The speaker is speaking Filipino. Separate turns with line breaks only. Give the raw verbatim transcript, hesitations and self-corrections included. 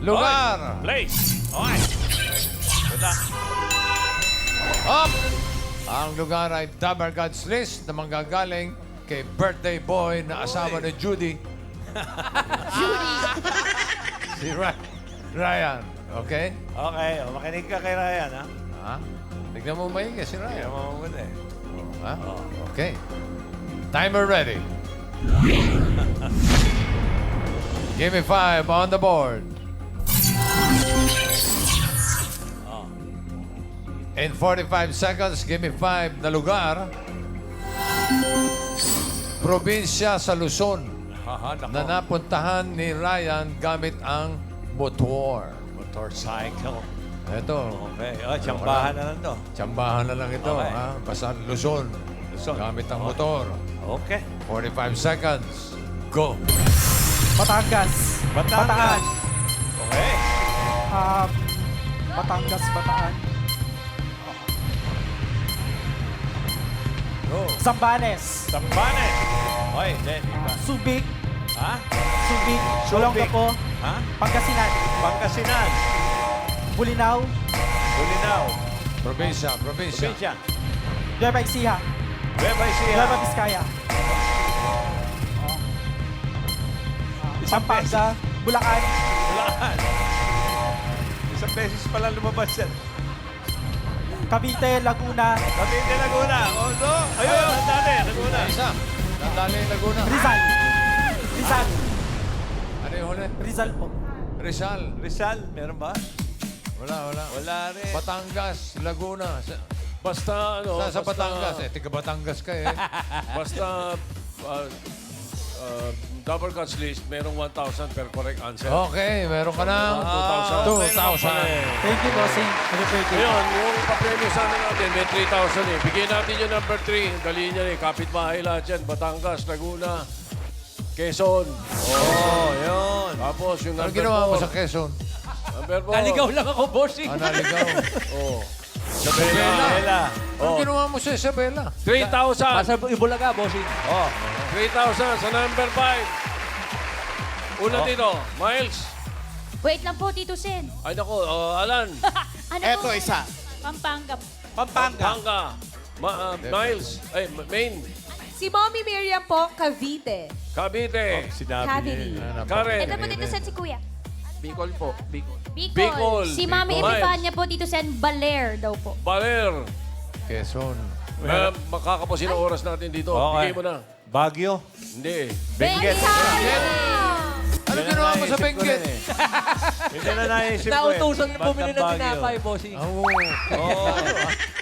Lugar.
Place. Okay. Good luck.
Up! Ang lugar ay Dabar God's List na manggagaling kay birthday boy na asawa ni Judy.
Judy.
Si Ry- Ryan. Okay?
Okay, o, makinig ka kay Ryan, ha?
Ha? Tignan mo maigi si
Kaya
Ryan.
mo muna eh.
Ha? Okay. Timer ready. Give me five on the board.
Oh.
In forty-five seconds, give me five na lugar. Probinsya sa Luzon
Haha, nako.
na napuntahan ni Ryan gamit ang motor.
Motorcycle.
Ito,
Okay. Oh, tsambahan na lang to.
tsambahan na lang ito.
Okay.
Ha? Basta Luzon.
Luzon.
Gamit ang
Okay.
motor.
Okay.
forty-five seconds. Go.
Batangas.
Batangas.
Bataan.
Okay.
Um, Batangas, Bataan.
Go.
Zambanes.
Sambane. Okay, then, iba.
Subic.
Ha?
Subic.
Subic.
Olongapo.
Ha?
Pangasinan.
Pangasinan.
Bulinaw.
Bulinaw.
Probinsya, probinsya.
Probinsya.
Nueva Ecija.
Nueva Ecija.
Nueva Vizcaya.
Isang beses.
Pampanga. Bulacan.
Bulacan. Isang beses pala lumabas yan.
Cavite, Laguna.
Cavite, Laguna. Oh, no. Ayun, ang dati. Laguna.
Isa. Nandali Laguna.
Rizal. Rizal.
Ano yung huli?
Rizal po.
Rizal.
Rizal, meron ba?
Wala, wala.
Wala rin.
Batangas, Laguna. Sa,
Basta, ano,
sa, sa
basta,
Batangas. Eh, tiga Batangas ka eh.
Basta, uh, uh, double cuts list, merong one thousand per correct answer.
Okay, meron ka ng
two thousand.
two thousand.
Thank you, bossing. Happy birthday.
Ngayon, yung papremyo sana natin, may three thousand eh. Bigyan natin yung number three. Dali niya eh. Kapit-bahay lahat yan. Batangas, Laguna, Quezon.
Oh, yun.
Tapos yung
Ano
number
ginawa mo
four.
sa Quezon?
Number four.
Naligaw lang ako, bossing.
Ah, naligaw.
Oh.
Isabela.
Bella.
Ano
Oh.
ginawa mo sa Isabela?
three thousand.
Pasa Ibulaga, bossing.
Oh.
three thousand sa number five. Una dito, Miles.
Wait lang po, Tito Sen.
Ay, naku, uh, Alan.
Ano
Eto,
po?
isa.
Pampanga.
Pampanga.
Panga. Ma- uh, Miles. Ay, Ma- Maine.
Si Mommy Miriam po, Cavite.
Cavite.
Sinabi
Cavite.
niya.
Karen.
Ito po, Tito Sen, si Kuya.
Bicol po. Bicol.
Bicol.
Bicol.
Si Mami
Bicol.
Epifania po, Tito Sen, Baler daw po.
Baler.
Quezon.
Uh, makakapusin ang oras natin dito.
Okay.
Bigay mo na.
Baguio.
Hindi eh.
Benguet.
Ano
Yan
ginawa
ang
mo sa
naisip ko
Benguet?
rin eh. Hindi na naisip ko eh.
Nautusan na bumili ng
Bandang Baguio.
tinapay, bossing.
Oo.
Oo.